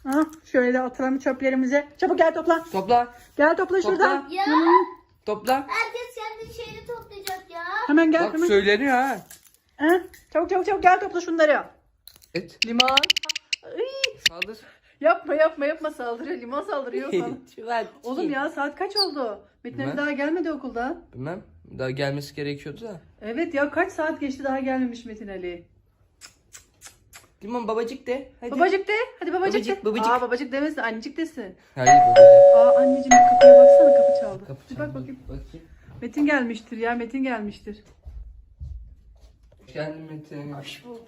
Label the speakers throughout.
Speaker 1: Ha, şöyle atalım çöplerimizi. Çabuk gel topla.
Speaker 2: Topla.
Speaker 1: Gel topla şuradan.
Speaker 2: Topla.
Speaker 3: Ya
Speaker 2: Topla.
Speaker 3: herkes kendi şeyini toplayacak ya.
Speaker 1: Hemen gel
Speaker 2: Bak
Speaker 1: hemen.
Speaker 2: söyleniyor ha.
Speaker 1: Ha, çabuk çabuk çabuk gel topla şunları.
Speaker 2: Et.
Speaker 1: Limon. Ay,
Speaker 2: Saldır.
Speaker 1: yapma saldırıyor. Limon saldırıyor sana.
Speaker 2: Çuval.
Speaker 1: Oğlum ya saat kaç oldu? Metin Ali
Speaker 2: Ben-
Speaker 1: daha gelmedi okuldan.
Speaker 2: Bilmem. Daha gelmesi gerekiyordu da.
Speaker 1: Evet ya kaç saat geçti daha gelmemiş Metin Ali.
Speaker 2: Limon babacık de. Hadi.
Speaker 1: Babacık de. Hadi babacık de.
Speaker 2: Babacık, babacık.
Speaker 1: Aa babacık demesin annecik desin.
Speaker 2: Hayır babacık.
Speaker 1: Aa anneciğim bir kapıya baksana kapı çaldı.
Speaker 2: Kapı
Speaker 1: Bir
Speaker 2: çaldı.
Speaker 1: bak bakayım.
Speaker 2: Bakayım.
Speaker 1: Metin gelmiştir ya Metin gelmiştir.
Speaker 2: Hoş geldin Metin.
Speaker 3: Hoş bulduk.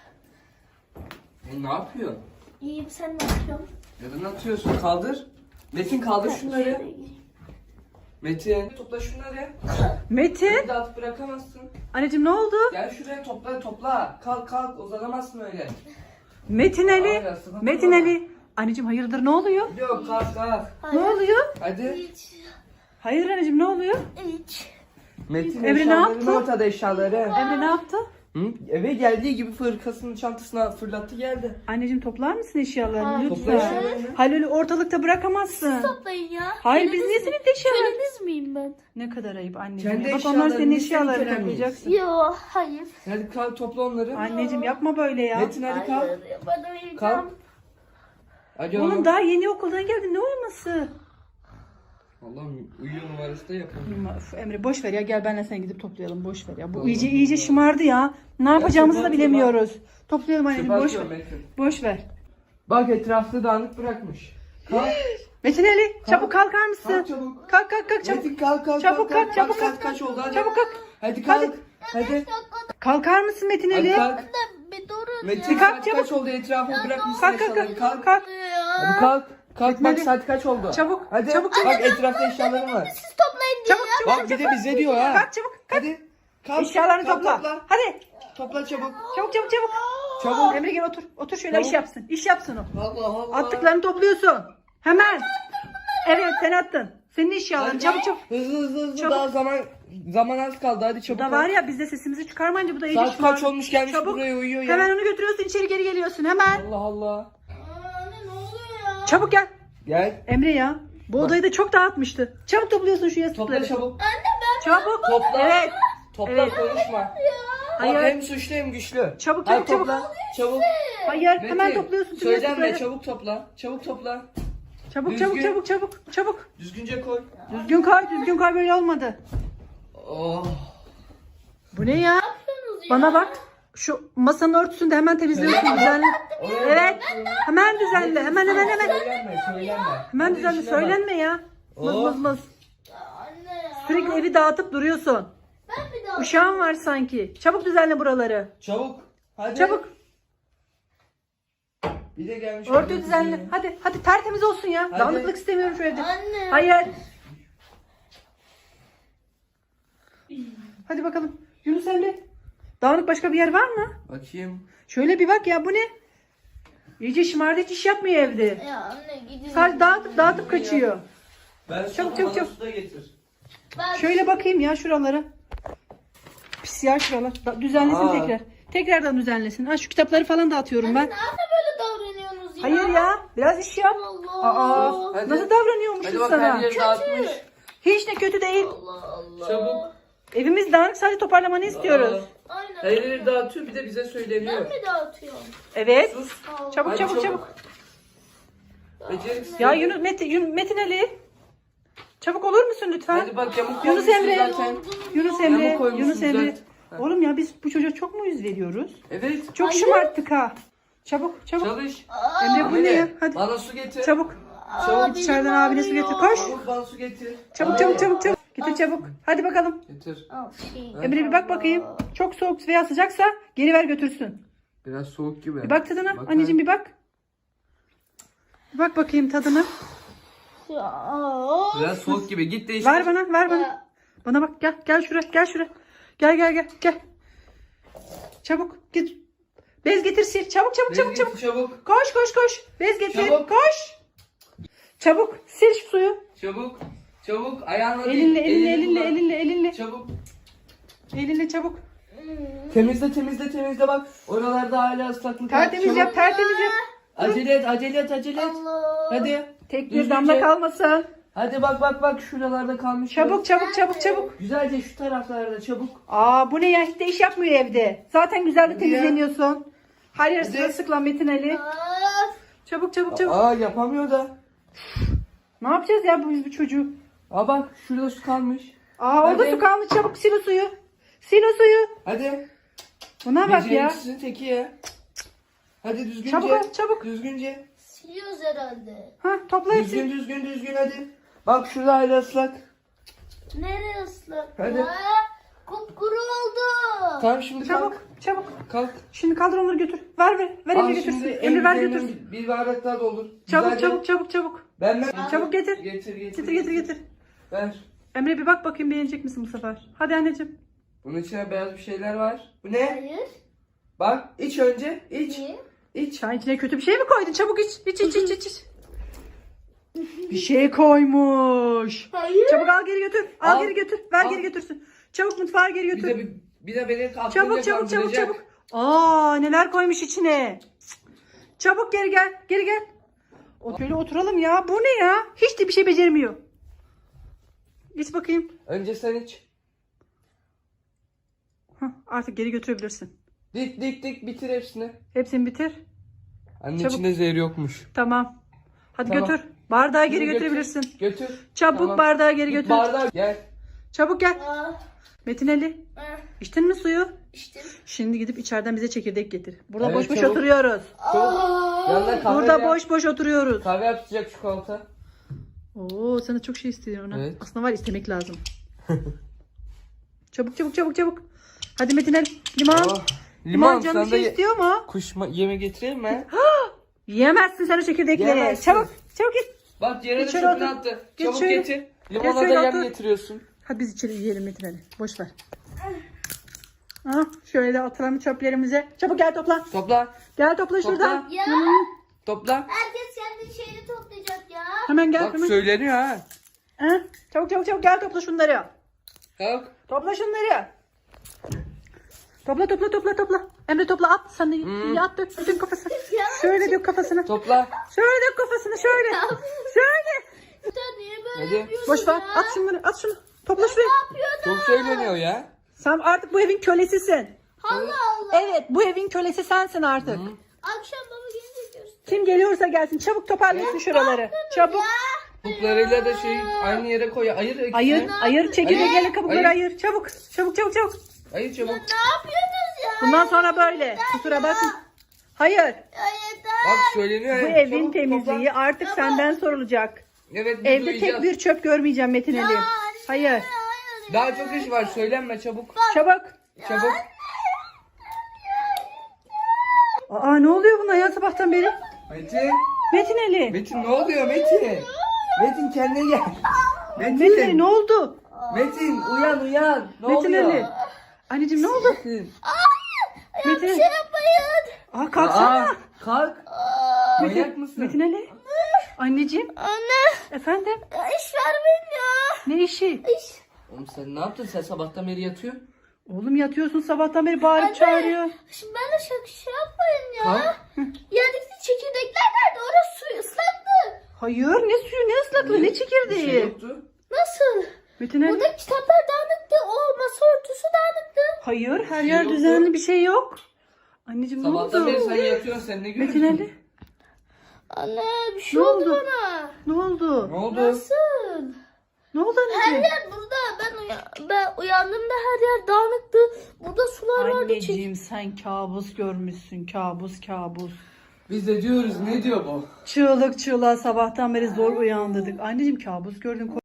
Speaker 2: Ne yapıyor?
Speaker 3: İyiyim, sen ne yapıyorsun?
Speaker 2: Neden atıyorsun? Kaldır. Metin kaldır şunları. Metin. Topla şunları.
Speaker 1: Metin.
Speaker 2: Bir de atıp bırakamazsın.
Speaker 1: Anneciğim ne oldu?
Speaker 2: Gel şuraya topla. Kalk uzanamazsın öyle.
Speaker 1: Metin Ali.
Speaker 2: Ay, yastığa
Speaker 1: Metin
Speaker 2: koyma.
Speaker 1: Ali. Anneciğim hayırdır ne oluyor?
Speaker 2: Yok kalk.
Speaker 1: Ne oluyor?
Speaker 2: Hadi.
Speaker 3: Hiç.
Speaker 1: Hayır anneciğim ne oluyor?
Speaker 3: Hiç.
Speaker 2: Metin
Speaker 1: Emre ne
Speaker 2: eşyaların
Speaker 1: yaptı?
Speaker 2: ortada eşyaları.
Speaker 1: Emre ne yaptı?
Speaker 2: Hı? Eve geldiği gibi fırkasının çantasına fırlattı geldi.
Speaker 1: Anneciğim toplar mısın eşyalarını
Speaker 3: Hayır.
Speaker 2: Topla
Speaker 1: lütfen?
Speaker 2: eşyalarını.
Speaker 1: Hayır öyle ortalıkta bırakamazsın.
Speaker 3: Toplayın ya.
Speaker 1: Hayır biz niye senin eşyalarını?
Speaker 3: Köleniz miyim ben?
Speaker 1: Ne kadar ayıp anneciğim.
Speaker 2: Kendi
Speaker 1: ya. Bak onlar senin
Speaker 2: eşyalarını, biz senin
Speaker 1: eşyalarını
Speaker 2: kölen miyiz?
Speaker 1: toplayacaksın.
Speaker 3: Yo, hayır.
Speaker 2: Hadi kalk topla onları.
Speaker 1: Anneciğim yapma böyle ya.
Speaker 2: Metin hadi kalk.
Speaker 3: Hayır, bana vereceğim.
Speaker 2: Kalk. Hadi
Speaker 1: Oğlum
Speaker 2: oğlum.
Speaker 1: daha yeni okuldan geldin ne uyuması?
Speaker 2: Allah'ım uyuyor numarası da yapamıyor.
Speaker 1: Üf, Emre boş ver ya gel benle sen gidip toplayalım boş ver ya. Bu
Speaker 2: Tamam.
Speaker 1: iyice şımardı ya. Ne yapacağımızı da
Speaker 2: çöpe
Speaker 1: bilemiyoruz. Toplayalım anneciğim
Speaker 2: Çöpe
Speaker 1: boş ver.
Speaker 2: atıyor Metin.
Speaker 1: Boş ver.
Speaker 2: Bak etrafta dağınık bırakmış. Kalk.
Speaker 1: Metin Ali çabuk kalkar mısın?
Speaker 2: Kalk çabuk.
Speaker 1: Kalk çabuk.
Speaker 2: Metin kalk.
Speaker 1: Çabuk kalk,
Speaker 2: Bak,
Speaker 1: çabuk
Speaker 2: saat
Speaker 1: kalk.
Speaker 2: kaç oldu hadi.
Speaker 1: Çabuk kalk.
Speaker 2: Hadi kalk. Hadi.
Speaker 1: Kalkar mısın Metin
Speaker 2: Hadi
Speaker 1: Ali?
Speaker 2: kalk.
Speaker 3: Bir durun
Speaker 2: Metin
Speaker 1: Kalk
Speaker 2: saat
Speaker 1: çabuk.
Speaker 2: kaç oldu etrafı bırakmışsın
Speaker 1: Kalk
Speaker 2: eşyalarını. Kalk.
Speaker 1: kalk.
Speaker 3: ya.
Speaker 2: Hadi kalk. Kalk bak
Speaker 1: Hadi.
Speaker 2: saat kaç oldu.
Speaker 1: Çabuk,
Speaker 2: Hadi.
Speaker 1: çabuk,
Speaker 2: Bak etrafta eşyaların var.
Speaker 3: Siz toplayın diye.
Speaker 1: Çabuk
Speaker 2: Bak bir de bize diyor ha.
Speaker 1: kalk çabuk.
Speaker 2: Hadi. Kalk.
Speaker 1: Eşyalarını
Speaker 2: Kalk,
Speaker 1: topla. Hadi.
Speaker 2: Topla çabuk.
Speaker 1: Çabuk.
Speaker 2: Çabuk.
Speaker 1: Emre gel otur. Otur şöyle
Speaker 2: Çabuk.
Speaker 1: iş yapsın. İş yapsın o.
Speaker 2: Allah Allah.
Speaker 1: Attıklarını topluyorsun. Hemen. Evet sen attın. Senin eşyaların
Speaker 2: Hadi.
Speaker 1: çabuk.
Speaker 2: Hızlı
Speaker 1: Çabuk.
Speaker 2: daha zaman az kaldı hadi
Speaker 1: Bu
Speaker 2: çabuk.
Speaker 1: da var ya biz de sesimizi çıkarmayınca bu da iyice
Speaker 2: Saat
Speaker 1: şımardı.
Speaker 2: kaç olmuş gelmiş
Speaker 1: Çabuk.
Speaker 2: buraya uyuyor ya.
Speaker 1: Hemen onu götürüyorsun içeri geri geliyorsun hemen.
Speaker 2: Allah Allah.
Speaker 3: Anne ne oluyor ya?
Speaker 1: Çabuk gel.
Speaker 2: Gel.
Speaker 1: Emre ya. Bu odayı da çok dağıtmıştı. Çabuk topluyorsun şu
Speaker 2: Topla
Speaker 1: yastıkları.
Speaker 2: çabuk.
Speaker 1: Çabuk.
Speaker 2: Topla.
Speaker 1: Evet.
Speaker 2: Topla
Speaker 1: Evet.
Speaker 2: konuşma.
Speaker 1: Hayır.
Speaker 2: Bak hem suçlu hem güçlü.
Speaker 1: Çabuk,
Speaker 2: Hadi
Speaker 1: çabuk,
Speaker 2: topla. Çabuk.
Speaker 1: Hayır hemen
Speaker 2: Metin,
Speaker 1: topluyorsun şu
Speaker 2: söylenme
Speaker 1: yastıkları.
Speaker 2: çabuk topla. Çabuk topla.
Speaker 1: Çabuk
Speaker 2: Düzgün.
Speaker 1: çabuk.
Speaker 2: Düzgünce koy.
Speaker 1: Düzgün koy böyle olmadı.
Speaker 2: Oh.
Speaker 1: Bu ne ya? Bana bak. Şu masanın örtüsünü de hemen temizliyorsun düzenle. Evet. Hemen düzenle. Hemen.
Speaker 2: Söyleme.
Speaker 1: Hemen
Speaker 2: Hadi
Speaker 1: düzenle.
Speaker 2: işine bak.
Speaker 1: Söylenme ya. Mız
Speaker 2: Oh.
Speaker 1: mız mız.
Speaker 3: Anne ya.
Speaker 1: Sürekli evi dağıtıp duruyorsun.
Speaker 3: Ben bir daha.
Speaker 1: Uşağın var sanki. Çabuk düzenle buraları.
Speaker 2: Çabuk. Hadi.
Speaker 1: Çabuk.
Speaker 2: Bir de gelmiş.
Speaker 1: Örtü düzenle. Hadi tertemiz olsun ya.
Speaker 2: Hadi.
Speaker 1: Dağınıklık istemiyorum şu evde.
Speaker 3: Anne.
Speaker 1: Hayır. Hadi bakalım. Yunus Emre. Dağınık başka bir yer var mı?
Speaker 2: Bakayım.
Speaker 1: Şöyle bir bak ya bu ne? İyice şımardı hiç iş yapmıyor evde.
Speaker 3: Ya anne gidin.
Speaker 1: Sadece dağıtıp kaçıyor.
Speaker 2: Ben
Speaker 1: Çabuk,
Speaker 2: sana
Speaker 1: çabuk.
Speaker 2: su da getir.
Speaker 3: Ben
Speaker 1: Şöyle bakayım ya şuralara. Pis ya şuralar. Düzenlesin
Speaker 2: Aa.
Speaker 1: tekrar. Tekrardan düzenlesin. Ha şu kitapları falan dağıtıyorum ben.
Speaker 3: Nerede böyle davranıyorsunuz ya?
Speaker 1: Hayır ya. Biraz iş yap.
Speaker 3: Allah.
Speaker 1: Aa,
Speaker 2: Hadi.
Speaker 1: nasıl davranıyormuşsun
Speaker 2: Hadi bak
Speaker 1: sana?
Speaker 2: her yeri dağıtmış.
Speaker 1: Hiç de kötü değil.
Speaker 3: Allah Allah.
Speaker 2: Çabuk.
Speaker 1: Evimiz dağınık sadece toparlamanı istiyoruz.
Speaker 3: Aynen.
Speaker 2: Her yeri dağıtıyor bir de bize söyleniyor.
Speaker 3: Ben mi dağıtıyorum?
Speaker 1: Evet.
Speaker 2: Sus.
Speaker 3: Allah.
Speaker 1: Çabuk
Speaker 2: Hadi
Speaker 1: çabuk.
Speaker 2: çabuk. Beceriksiz.
Speaker 1: Ya Metin Ali. Çabuk olur musun lütfen?
Speaker 2: Hadi bak yamuk
Speaker 1: Yunus
Speaker 2: koymuşsun
Speaker 1: Emre.
Speaker 2: zaten.
Speaker 1: Yunus Emre.
Speaker 2: Yamuk koymuşsun,
Speaker 1: Yunus Emre.
Speaker 2: düzelt. Ha.
Speaker 1: Oğlum ya biz bu çocuğa çok mu yüz veriyoruz?
Speaker 2: Evet.
Speaker 1: Çok
Speaker 3: Hayır.
Speaker 1: şımarttık ha. Çabuk.
Speaker 2: Çalış.
Speaker 1: Emre bu ne ya? Hadi.
Speaker 2: Bana su getir.
Speaker 1: Çabuk.
Speaker 2: Çabuk.
Speaker 1: Git içeriden abine su getir. Koş.
Speaker 2: Çabuk bana su getir.
Speaker 1: Çabuk. Getir çabuk. Hadi bakalım.
Speaker 2: Getir.
Speaker 1: Emre bir bak bakayım. Çok soğuk veya sıcaksa geri ver götürsün.
Speaker 2: Biraz soğuk gibi.
Speaker 1: Bir bak tadına.
Speaker 2: Bak
Speaker 1: Anneciğim bir bak. Bir bak bakayım tadına.
Speaker 2: Biraz soğuk gibi. Git değiştir.
Speaker 1: Ver bana. Bana bak gel şuraya. Gel. Çabuk git. Bez getir sil. Çabuk.
Speaker 2: Çabuk.
Speaker 1: Koş. Bez getir.
Speaker 2: Çabuk.
Speaker 1: Koş. Çabuk sil şu suyu.
Speaker 2: Çabuk. Ayağınla değil.
Speaker 1: Elinle.
Speaker 2: Çabuk.
Speaker 1: Elinle çabuk.
Speaker 2: Temizle bak. Oralarda hala ıslaklık var.
Speaker 1: Tertemiz
Speaker 2: Çabuk.
Speaker 1: yap.
Speaker 2: Acele et, acele et, acele et.
Speaker 3: Allah.
Speaker 2: Hadi.
Speaker 1: Tek bir
Speaker 2: Düzgünce.
Speaker 1: damla kalmasın.
Speaker 2: Hadi bak şuralarda kalmış.
Speaker 1: Çabuk çabuk çabuk çabuk.
Speaker 2: Güzelce şu taraflarda çabuk.
Speaker 1: Aa bu ne ya? Hiç de iş yapmıyor evde. Zaten güzel de
Speaker 2: Hadi ya.
Speaker 1: temizleniyorsun. Her yer
Speaker 2: Hadi.
Speaker 1: sırılsıklam Metin Ali.
Speaker 3: Of.
Speaker 1: Çabuk çabuk çabuk.
Speaker 2: Aa yapamıyor da.
Speaker 1: Ne yapacağız ya bu çocuğu?
Speaker 2: Aa bak şurada su kalmış.
Speaker 1: Aa orada
Speaker 2: Hadi.
Speaker 1: su kalmış. Çabuk sil o suyu. Sil o suyu.
Speaker 2: Hadi.
Speaker 1: Buna bak ya.
Speaker 2: Beceriksizin teki ya. Hadi düzgünce.
Speaker 1: Çabuk ol, çabuk.
Speaker 2: Düzgünce.
Speaker 3: Siliyoruz herhalde.
Speaker 1: Ha topla hepsini.
Speaker 2: Düzgün hadi. Bak şurada hala ıslak.
Speaker 3: Nereye ıslak?
Speaker 2: Hadi.
Speaker 3: Ya? Kupkuru oldu.
Speaker 2: Tamam şimdi
Speaker 1: Çabuk
Speaker 2: kalk.
Speaker 1: çabuk.
Speaker 2: Kalk.
Speaker 1: Şimdi kaldır onları götür. Ver
Speaker 2: Al
Speaker 1: Emre
Speaker 2: şimdi
Speaker 1: götürsün. Emre ver
Speaker 2: üzerinden
Speaker 1: götürsün.
Speaker 2: bir bardak daha doldur.
Speaker 1: Çabuk
Speaker 2: Güzelce.
Speaker 1: çabuk çabuk çabuk.
Speaker 2: Ben.
Speaker 1: Çabuk getir.
Speaker 2: Getir.
Speaker 1: Getir.
Speaker 2: Ver.
Speaker 1: Emre bir bak bakayım beğenecek misin bu sefer? Hadi anneciğim.
Speaker 2: Bunun içine beyaz bir şeyler var. Bu ne?
Speaker 3: Hayır.
Speaker 2: Bak iç önce. İç.
Speaker 3: Niye?
Speaker 2: İç.
Speaker 1: Çayın içine kötü bir şey mi koydun? Çabuk iç. İç. Bir şey koymuş.
Speaker 3: Hayır.
Speaker 1: Çabuk al geri götür. Al
Speaker 2: Al.
Speaker 1: geri götür. Ver
Speaker 2: Al.
Speaker 1: geri götürsün. Çabuk mutfağa geri götür.
Speaker 2: Bir de beni aklınca
Speaker 1: Çabuk. Aa neler koymuş içine. Çabuk geri gel. Şöyle oturalım ya. Bu ne ya? Hiç de bir şey beceremiyor. Geç bakayım.
Speaker 2: Önce sen iç.
Speaker 1: Hah, artık geri götürebilirsin.
Speaker 2: Dik bitir hepsini.
Speaker 1: Hepsini bitir.
Speaker 2: Anne
Speaker 1: Çabuk.
Speaker 2: içinde zehir yokmuş.
Speaker 1: Tamam. Hadi
Speaker 2: Tamam.
Speaker 1: götür. Bardağı geri
Speaker 2: Şimdi
Speaker 1: götürebilirsin.
Speaker 2: Götür.
Speaker 1: Çabuk
Speaker 2: Tamam.
Speaker 1: bardağı geri
Speaker 2: Git
Speaker 1: götür.
Speaker 2: bardağı gel.
Speaker 1: Çabuk gel.
Speaker 3: Aa,
Speaker 1: Metin Ali. İçtin mi suyu?
Speaker 3: içtim.
Speaker 1: Şimdi gidip içeriden bize çekirdek getir. Burada
Speaker 2: Evet,
Speaker 1: boş boş
Speaker 2: çabuk.
Speaker 1: oturuyoruz.
Speaker 2: Yanına kahve
Speaker 1: Burada
Speaker 2: yap.
Speaker 1: boş oturuyoruz.
Speaker 2: Kahve yapacak çikolata.
Speaker 1: Oo sana çok şey istiyorum ona.
Speaker 2: Evet.
Speaker 1: Aslında var istemek lazım. Çabuk. Hadi Metin Ali. Limon.
Speaker 2: Oh.
Speaker 1: Limon canım
Speaker 2: sana
Speaker 1: bir
Speaker 2: da
Speaker 1: şey istiyor mu?
Speaker 2: yeme getireyim mi?
Speaker 1: Yiyemezsin sen o çekirdekleri.
Speaker 2: Yiyemezsin.
Speaker 1: Çabuk git.
Speaker 2: Bak yere de
Speaker 1: İçeri
Speaker 2: çöpünü
Speaker 1: otur.
Speaker 2: attı.
Speaker 1: Geç
Speaker 2: Çabuk
Speaker 1: şöyle.
Speaker 2: getir. Limona
Speaker 1: şöyle
Speaker 2: da yem
Speaker 1: otur.
Speaker 2: getiriyorsun.
Speaker 1: Hadi biz içeri yiyelim Metin Ali. Boş ver. Şöyle de atalım çöplerimize. Çabuk gel topla.
Speaker 2: Topla.
Speaker 1: Gel topla şuradan.
Speaker 3: Ya
Speaker 2: Topla.
Speaker 3: herkes kendi şeyini toplayacak ya.
Speaker 1: Hemen gel.
Speaker 2: Bak
Speaker 1: Hemen.
Speaker 2: söyleniyor ha.
Speaker 1: Ha? Çabuk gel topla şunları.
Speaker 2: Kalk.
Speaker 1: Topla şunları. Topla. Emre topla at. Sen de at dök kafasına. Şöyle dök kafasına.
Speaker 2: Topla.
Speaker 1: Şöyle dök kafasına şöyle. Şöyle.
Speaker 3: Sen niye böyle
Speaker 2: Hadi.
Speaker 3: yapıyorsun
Speaker 1: Boş ver.
Speaker 3: ya?
Speaker 1: At şunu. Topla şuraya.
Speaker 2: Çok söyleniyor ya.
Speaker 1: Sen artık bu evin kölesisin.
Speaker 3: Allah Allah.
Speaker 1: Evet bu evin kölesi sensin artık.
Speaker 3: Akşam baba gelince göster.
Speaker 1: Kim geliyorsa gelsin. Çabuk toparlasın şuraları. Çabuk.
Speaker 2: Kuplarıyla da aynı yere koy. Ayır.
Speaker 1: Ayır çekirdeğiyle kabukları
Speaker 2: Ayır.
Speaker 1: ayır. Çabuk.
Speaker 2: Ayır çabuk.
Speaker 3: Ne yapıyorsunuz ya?
Speaker 1: Bundan sonra böyle. Kusura bakma. Hayır.
Speaker 3: Ya yeter.
Speaker 2: Bak söyleniyor.
Speaker 1: Bu
Speaker 2: ya.
Speaker 1: evin
Speaker 2: Çabuk
Speaker 1: temizliği
Speaker 2: topla.
Speaker 1: artık senden sorulacak.
Speaker 2: Evet biz
Speaker 1: Evde
Speaker 2: uyuyacağız.
Speaker 1: tek bir çöp görmeyeceğim Metin Ali. Hayır.
Speaker 3: Hayır.
Speaker 2: Daha çok iş var. Söylenme çabuk.
Speaker 1: Çabuk.
Speaker 2: Çabuk.
Speaker 1: Aa ne oluyor buna ya sabahtan beri?
Speaker 2: Metin.
Speaker 1: Metin Ali.
Speaker 2: Metin ne oluyor Metin? Metin kendine gel.
Speaker 1: Metin Ali ne oldu?
Speaker 2: Metin uyan. Ne
Speaker 1: Metin
Speaker 2: oluyor?
Speaker 1: Ali. Anneciğim ne oldu?
Speaker 2: Metin.
Speaker 1: Metin Ali.
Speaker 3: Yapmayın.
Speaker 1: Aa kalksana.
Speaker 2: Aa, kalk. Manyak mısın?
Speaker 1: Metin Ali. Anneciğim.
Speaker 3: Anne.
Speaker 1: Efendim.
Speaker 3: Ya iş vermeyin ya.
Speaker 1: Ne işi?
Speaker 3: İş.
Speaker 2: Oğlum sen ne yaptın? Sen sabahtan beri yatıyorsun.
Speaker 1: Oğlum yatıyorsun sabahtan beri bağırıp çağırıyor.
Speaker 3: Şimdi ben de şey yapmayın ya.
Speaker 2: Kalk.
Speaker 3: Yerdeki çekirdekler nerede? Orası suyu ıslattı.
Speaker 1: Hayır ne suyu ne ıslaklığı ne
Speaker 2: Bir şey
Speaker 1: çekirdeği.
Speaker 2: yoktu.
Speaker 3: Nasıl?
Speaker 1: Metin Ali.
Speaker 3: Burada kitaplar dağınıktı. O masa örtüsü dağınıktı.
Speaker 1: Hayır her
Speaker 2: şey
Speaker 1: yer
Speaker 2: yoktu.
Speaker 1: düzenli bir şey yok. Anneciğim ne
Speaker 2: Sabahtan beri
Speaker 1: oldu?
Speaker 2: sen yatıyorsun. Sen ne görüyorsun?
Speaker 1: Metin Ali.
Speaker 3: Anne bir şey
Speaker 1: Ne
Speaker 3: oldu
Speaker 1: oldu?
Speaker 3: bana.
Speaker 1: Ne oldu?
Speaker 2: Ne oldu?
Speaker 3: Nasıl?
Speaker 1: Ne oldu
Speaker 3: Her
Speaker 1: anneciğim?
Speaker 3: yer burada. Ben uyandığımda her yer dağınıktı. Burada sular vardı.
Speaker 1: Anneciğim sen kabus görmüşsün. Kabus.
Speaker 2: Biz de diyoruz ne diyor bu?
Speaker 1: Çığlık çığlığa sabahtan beri zor uyandırdık. Anneciğim kabus gördün.